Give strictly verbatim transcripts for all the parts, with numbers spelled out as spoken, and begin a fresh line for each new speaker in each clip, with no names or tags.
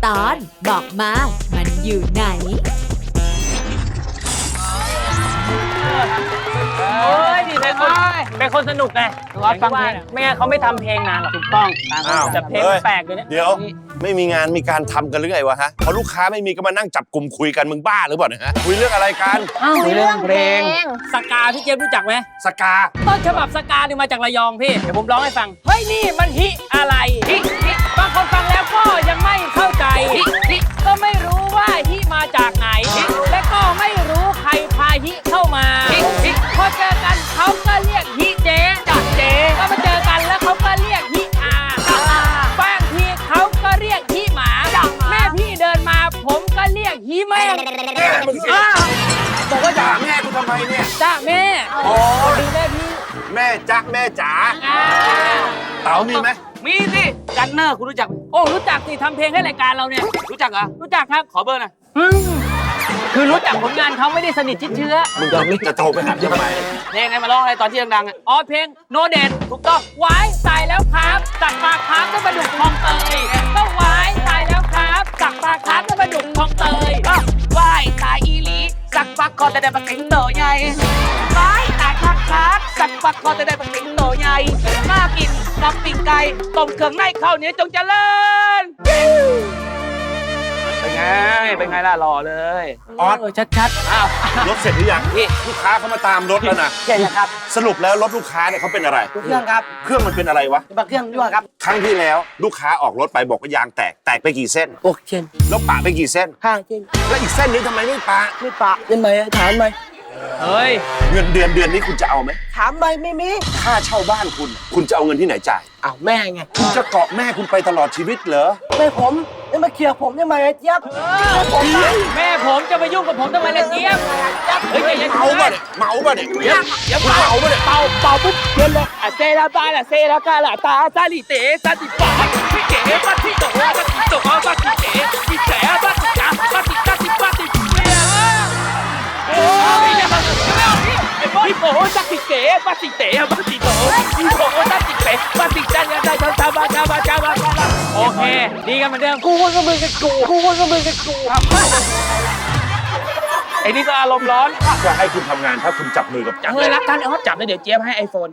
ตอนบอกมามันอยู่ไหน
โอ้ยนี่เป็นคนเป็นคนสนุกไงร้องฟังเพลงไม่งั้นเขาไม่ทำเพลงนานหรอกถูกต้องแต่เพลงแปลกเลยเนี่ย
เดี๋ยวไม่มีงานมีการทำกันหรือไงวะฮะพอลูกค้าไม่มีก็มานั่งจับกลุ่มคุยกันมึงบ้าหรือเปล่าเนี่ยฮะคุยเรื่องอะไรกัน
คุยเรื่องเพลงสกาพี่เจมรู้จักไหม
สกา
ต้นฉบับสกาเนี่ยมาจากระยองพี่เดี๋ยวผมร้องให้ฟังเฮ้ยนี่มันฮิอะไรฮิฮิบางคนฟังแล้วก็ยังไม่เข้าใจฮิฮิก็ไม่รู้ว่าฮิมาจากไหนฮิและก็ไม่รู้ใครพาฮิเข้ามาฮิฮิพอเจอกันเขาก็เรียกฮิเจจากเจก็มาเจอกันแล้วเขาก็เรียกฮิอาบางทีเขาก็เรียกฮิหมาแม่พี่เดินมาผมก็เรียกฮิแม่
บอกว่าด่าแม่กูทำไมเนี่ย
จ้าแม่
โอ้
ดีแม่พี่
แม่จ๊ะแม่จ๋าเต๋ามีไหม
มีสิกันเนอร์คุณรู้จักโอ้รู้จักสิทำเพลงให้รายการเราเนี่ยรู้จักเหรอรู้จักครับขอเบอร์หน่อยคือรู้จักผลงานเขาไม่ได้สนิทชิดเชื้อ
มึงจะไม่จะโทรไปหาทำไม
เพลงไงมาร้องอะไรตอนที่ดังๆอ่ะอ๋อเพลงโนเดนถูกต้องไว้ตายแล้วครับสักปลาครับก็มาดุกคลองเตยก็ไว้ตายแล้วครับสักปลาครับก็มาดุกคลองเตยไว้ตายอีหลีสักปักคอแต่ได้ปากเก่งโตใหญ่ไว้ตายคักคักสักปักคอแต่ได้ปากเก่งโตใหญ่มากินกับปิ่งไก่ต้มเครื่องในข้าวเหนียวจงเจริญเป็นไงเป็นไงล่ะหล่อเลย
ออส
ชัดๆอ้าว
รถเสร็จหรือยังพี่ลูกค้าเขามาตามรถแล้วนะ
ใช่ครับ
สรุปแล้วรถลูกค้าเนี่ยเขาเป็นอะไร
เครื่องครับ
เครื่องมันเป็นอะไรวะ
เครื่องยั่วครับ
ครั้งที่แล้วลูกค้าออกรถไปบอกว่ายางแตกแตกไปกี่เส้น
หกเส้น
แล้วปะไปกี่เส้น
ห้าเส้น
แล้วอีกเส้นนี้ทำไมไม่ปะ
ไม่ปะยังไงถามไหมเฮ้ย
เงินเดือนเดือนนี้คุณจะเอาไหม
ถามไปไม่มี
ค่าเช่าบ้านคุณคุณจะเอาเงินที่ไหนจ่าย
อ้าวแม่ไง
คุณจะเกาะแม่คุณไปตลอดชีวิตเหรอ
แม่ผมจะมาเคลียร์ผมยังไงไอ้เจี๊ยบแม่ผมจะมายุ่งกับผมทำไมล่ะเจี๊ยบ
เฮ้ยเมาป่ะเนี่ยเมาป่ะเนี่ย
เจี๊ยบเจี๊ยบเมาป่ะเนี่ยเป่าเป่าปุ๊บเดินเลยอ่ะเซราบาล่ะเซรากาล่ะตาซาลิเตซาติปาพี่เก๋ปาติโตปาติโตปาติเก๋พี่แฉปาติจ๋าปาติกาติปาติเปียโอ้ยพี่โป้จักติเก๋ปาติเต๋ปาติโตพี่โป้จักติเป๋ปาติจันยังได้ทำทำมาทำมาทำมาโอเคดีกันเหมือนเดิมกูคนก็มือกับกูกูคนก็มือกับกูไอ้นี่ก็อารมณ์ร้อน
จะให้คุณทำงานถ้าคุณจับมือกับจับ
เลยรักกันเขาจับเลยเดี๋ยวเจี๊ยบให้ไอโฟน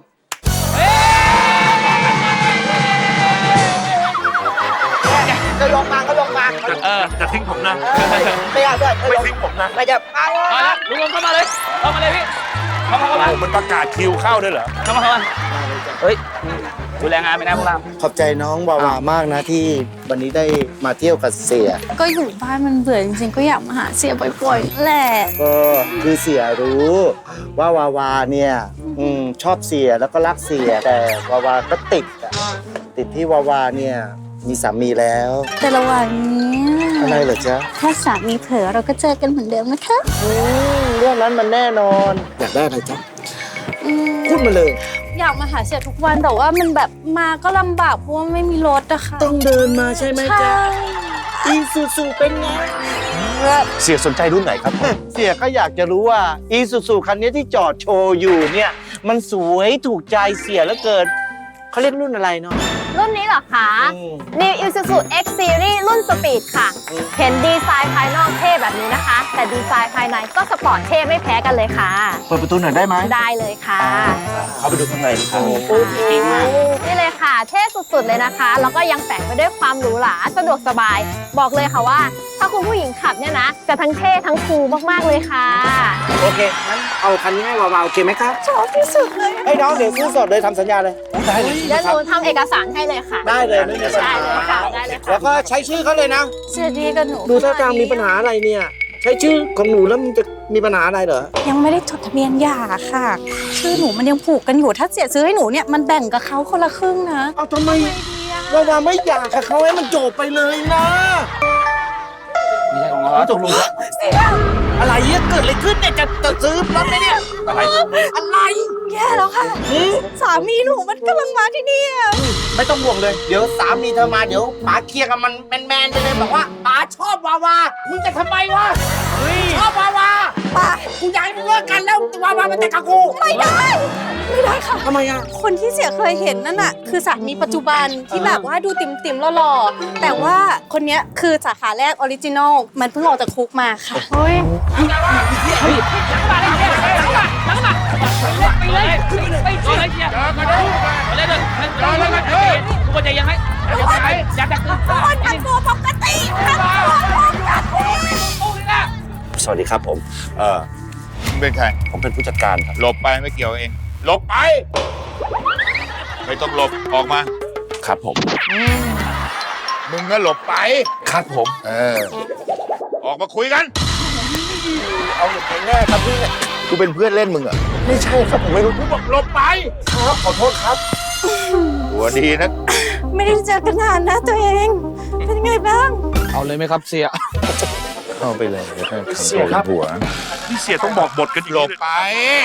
ก็ลงมาก็ลงมา
เออจะทิ้งผมนะ
ไม่เอาด้วย
ไม่ทิ้งผมนะ
ไม่จะมาแล้วลุงลงเข้ามาเลยเข้ามาเลยพี่เข้ามาเข้ามา
มันประกาศคิวเข้าด้วยเหรอ
เข้ามาเข้ามาเฮ้ยดูแลงานไปนะพวกเรา
ขอบใจน้องวาวามากนะที่วันนี้ได้มาเที่ยวกับเสีย
ก็อยู่บ้านมันเบื่อจริงๆก็อยากมาหาเสียบ่อยๆแหละ
ก็คือเสียรู้ว่าวาวาเนี่ยอืมชอบเสียแล้วก็รักเสียแต่วาวาก็ติดอะติดที่วาวาเนี่ยมีสามีแล้ว
แต่ระหว่างนี้
อะไรเหรอจ๊ะ
ถ้าสามีเผลอเราก็เจอกันเหมือนเดิมนะคะ
เรื่องนั้นมันแน่นอนอยากได้อะไรจ๊ะพูดมาเลย
อยากมาหาเสียทุกวันแต่ว่ามันแบบมาก็ลำบากเพราะว่าไม่มีรถอะค่ะ
ต้องเดินมาใช่ไหมจ๊ะอีซูซูเป็นไง
เสียสนใจรุ่นไหนครับ
เสียก็อยากจะรู้ว่าอีซูซูคันนี้ที่จอดโชว์อยู่เนี่ยมันสวยถูกใจเสียเหลือเกินเขาเรียกรุ่นอะไรเนาะ
รุ่นนี้เหรอคะ New Isuzu X Series รุ่นสปีดค่ะเห็นดีไซน์ภายนอกเท่แบบนี้นะคะแต่ดีไซน์ภายในก็สปอร์ตเท่ไม่แพ้กันเลยค่ะ
เปิดประตูหน่อยได้ไหม
ได้เลยค่ะ
เข้าไปดูข้างในครับ
นี่เลยค่ะเท่สุดๆเลยนะคะแล้วก็ยังแฝงไปด้วยความหรูหราสะดวกสบายบอกเลยค่ะว่าถ้าคุณผู้หญิงขับเนี่ยนะจะทั้งเท่ทั้งคูลมากๆเลยค่ะ
โอเคงั้นเอาคันนี้ให้วาวาโอเคไหมครับ
ชอบที่สุดเลย
ให้น้องเดี๋ยวซื้อสดเลยทำสัญญาเลย
ได้เลยเดี๋ยวหนูทำเอกสารให้เลยค่ะ
ได้เลยไม่มีปัญหา
ได้เลยค่ะได้เลยค่ะ
แล้วก็ใช้ชื่อเขาเลยนะ
เสียดีกับหนู
ดูท่าทางมีปัญหาอะไรเนี่ยใช้ชื่อของหนูแล้วมันจะมีปัญหาอะไรเหรอ
ยังไม่ได้จดทะเบียนหย่าค่ะชื่อหนูมันยังผูกกันอยู่ถ้าเสียซื้อให้หนูเนี่ยมันแบ่งกับเขาคนละครึ่งนะ
เอาทำไมวาวาไม่หย่ากับเขาให้มันจบไปเลยนะ
ไม่ใช่ของเรา
ตกลงเสียอะไรเนี่ยเกิดอะไรขึ้นเนี่ยจะจะซื้อรถไหมเนี่ย
อะไร
อะไร
แย่แล้วค่ะสามีหนูมันกำลังมาที่นี่
ไม่ต้องห่วงเลยเดี๋ยวสามีเธอมาเดี๋ยวป๋าเคลียร์กับมันแมนๆไปเลยบอกว่าป๋าชอบวาวามึงจะทำไมวะชอบวาวา
ป๋า
กูอยากให้มึงเลิกกันแล้ววาวามาแต่งกับกู
ไม่ได้ ไม่ได้ค่ะ
ทำไมอ่ะ
คนที่เสียเคยเห็นนั่นน่ะคือสามีปัจจุบันที่แบบว่าดูติ่มติ่มๆหล่อๆแต่ว่าคนเนี้ยคือสาขาแรกออริจินอลมันเพิ่งออกจากคุกมาค่ะ
เฮ้ย
ไปเลยไปเลยเชียร์มาดูมาเลยเลยรอเลยกันเออกูก็จะยังให้ยังไงอยากจะขึ้น
คนทำตัวปกติทำตัวปกติ
สวัสดีครับผม เออ
มึงเป็นใคร
ผมเป็นผู้จัดการครับ
หลบไปไม่เกี่ยวเอง หลบไป ไม่ต้องหลบ ออกมา
ครับผม
มึงก็หลบไป
ครับผม
เออ ออกมาคุยกัน
เอาหลบไปแน่ครับพี่
กูเป็นเพื่อนเล่นมึงเหรอ
ไม่ใช่ครับผมไม่รู้
กูบอกหลบไป
ครับขอโทษครับ
หัวดีนะ
ไม่ได้เจอกันนานนะตัวเอง เป็นยังไงบ้าง
เอาเลยไหมครับเสีย
เข้าไปเลย
เสียครับ
หัว
พี่เสียต้องบอกบทกันอีก
หลบไป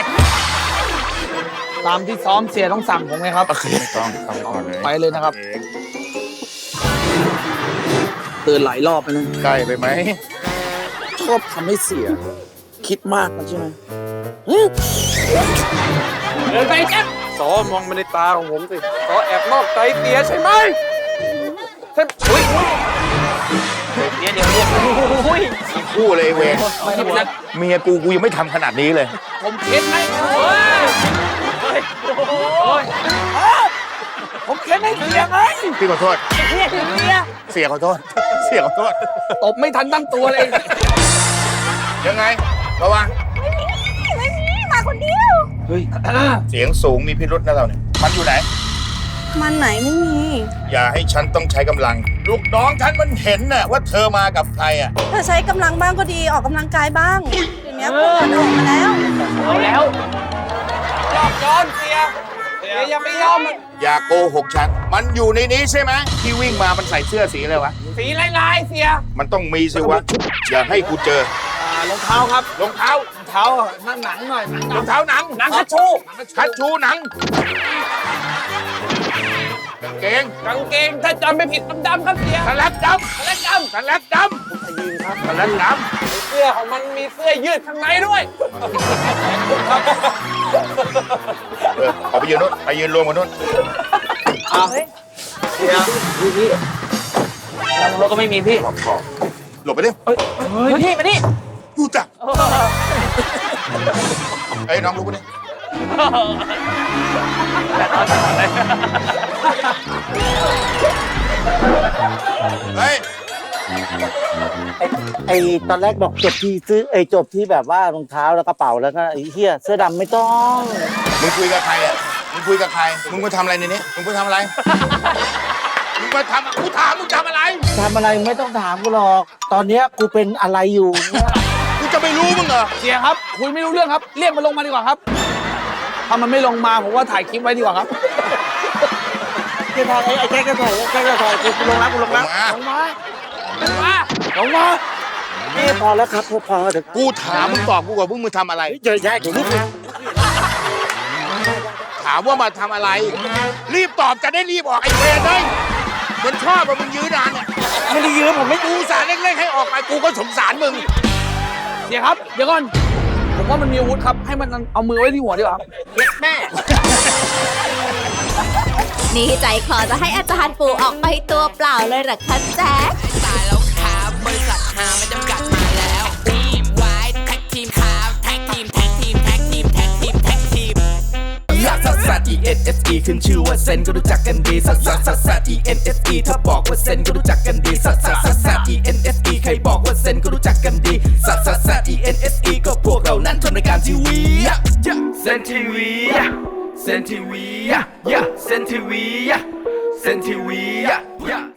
ตามที่ซ้อมเสียต้องสั่งผมไงครับ
ไม่ต้องทำก่อนเลย
ไปเลยนะครับ ตื่นหลายรอบไปนะ
ใกล้ไปไหม
ชอบทำให้เสีย คิดมากนะใช่ไหมเดินไปแจ๊บซอมองมาในตาของผมสิซอแอบนอกใจเสียใช่ไหมใช่อุ้ยเดี๋ยวเดี๋ยวเดี๋ยวอุ้ย
คู่เลยเวร
ไม่ใช่นะ
เมียกูกูยังไม่ทำขนาดนี้เลย
ผมเค้นให้เฮ้ยเฮ้ยโอ้ยผมเค้นให้เสียไง
พี่ขอโทษ
เสียเสีย
เสียขอโทษ เสียขอโทษ
ตบไม่ทันตั้งตัวเลย
ยังไง ระวัง
ไม่มี มาคนเดียว
เฮ้ย
เสียงสูงมีพิรุษนะเราเนี่ย มันอยู่ไหน
มันไหนไม่มี
อย่าให้ฉันต้องใช้กำลัง ลูกน้องฉันมันเห็นน่ะว่าเธอมากับใครอ่ะ
เธอใช้กำลังบ้างก็ดีออกกำลังกายบ้างเดี๋ยวนี้เพื่อนออกมาแล้ว
เอาแล้วยอมย้อนเสียเสียยังไม่ยอม
อย่าโกหกฉัน มันอยู่ในนี้ใช่ไหมที่วิ่งมามันใส่เสื้อสีอะไรวะ
สีลายๆเสีย
มันต้องมีสิวะ อย่าให้กูเจอ
อ่ารองเท้าครับ
รองเท้าร
องเท้าหนังหนังหน่อยหนัง
รองเท้าหนัง
หนังคัชชู
คัดชูหนังกางเกง
กางเกงถ้าจำไม่ผิดดำๆครับเสีย
สลักด
สแลกด
ำสลักดำสลักด
ำเสื้อของมันมีเสื้อยืดข้างในด้วย
ำเออออกไปยืนนู้นไปยืนรวมกันนู้น
เอาเสียพี่พี่แล้วรถก็ไม่มีพี่
หลบไปดิ
เฮ้ยพี่มานี่
กูจักเอ้ยน้องลุกไปดิเฮ้ย
ไอ้ไอ้ตอนแรกบอกจบที่ซื้อไอ้จบที่แบบว่ารองเท้าแล้วกระเป๋าแล้วก็ไอ้เหี้ยเสื้อดำไม่ต้อง
มึงคุยกับใครอ่ะ มึงคุยกับใคร มึงมาทำอะไรในนี้ มึงมาทำอะไร มึงมาทำกูถามมึงทำอะไร
ทำอะไรไม่ต้องถามกูหรอก ตอนเนี้ยกูเป็นอะไรอยู่เนี่ย
กูจะไม่รู้มึงเหรอ
เสียครับคุยไม่รู้เรื่องครับ เรียกมันลงมาดีกว่าครับ ถ้ามันไม่ลงมาผมว่าถ่ายคลิปไว้ดีกว่าครับ
ไอ้ถ่ายไอ้แจ๊กก็ถ่ายไอ้แจ๊กก็ถ่ายกูลงแล้วกูลงแล้ว
มา
ลงมาลงมาลงมา
นี่พอแล้วครับพอพอเดี๋ยว
กูถามมึงตอบกูก่อนพวกมึงทำอะไร
เจอแย่เดี๋ยวลูก
ถามว่ามาทำอะไร รีบตอบจะได้รีบออกไอ้เวรเลยมันชอบว่ามึงยื้อนานเนี่ย
ไม่ได้ยืมผมไม่
กูสารเล็กๆให้ออกไปกูก็สงสารมึง
เดี๋ยวครับ เดี๋ยวก่อน ผมว่ามันมีอาวุธครับ ให้มันเอามือไว้ที่หัวดีกว่าครับแม่
นี่ใจคอจะให้อาจารย์ปู่ออกไปตัวเปล่าเลยเหรอคะแจ๊ค
ตายแล้วครับบริษัทหาไม่จำกัดมาแล้วทีมไว้แท็กทีมครับแท็กทีมแท็กทีมแท็กทีมแท็กทีมแท็กทีมลักซัสซัส E N S E ขึ้นชื่อว่าเซนก็รู้จักกันดีซัสซัสซัสซัส E N S E ถ้าบอกว่าเซนก็รู้จักกันดีซัสซัสซัสซัส E N S E ใครบอกว่าเซนก็รู้จักกันดีซัสซัสซัส E N S E ก็พวกเรานั้นทำรายการทีวีเซนทีวีเซนทีวีเซนทีวีเซนทีวี